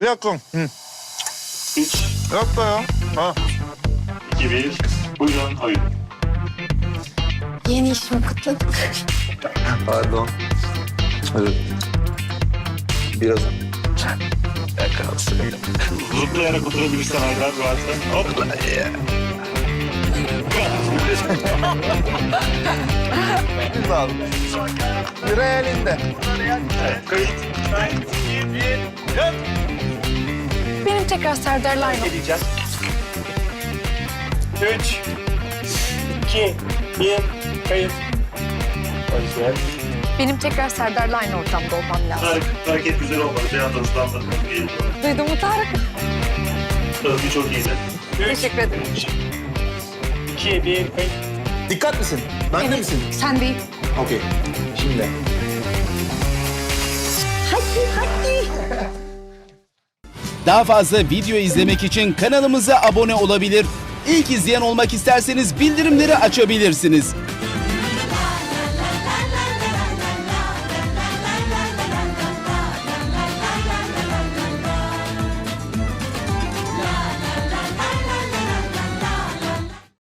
Bir dakika. Hı. 3, Bir dakika ya. Ha. 2, 1. Buyurun oyun. Yeni işimi kutladık. Pardon. Evet. Biraz. Zıplayarak oturabilirsen Haydar varsa. Hop. Güzel. Biri elinde. Evet, kayıt. Benim tekrar Serdar Line. Geleceğiz. 3, 2, 1. Kayıt. Başlayalım. Benim tekrar Serdar Line ortamda olmam lazım. Hareket güzel olmadı. Bir anda hızlandırdım. Duydun mu Tarık? Hızlı çok iyiydi. Teşekkür ederim. 2, 1. Kayıt. Dikkat misin? Bende misin? Sen değil. Okey. Şimdi. Daha fazla video izlemek için kanalımıza abone olabilir. İlk izleyen olmak isterseniz bildirimleri açabilirsiniz.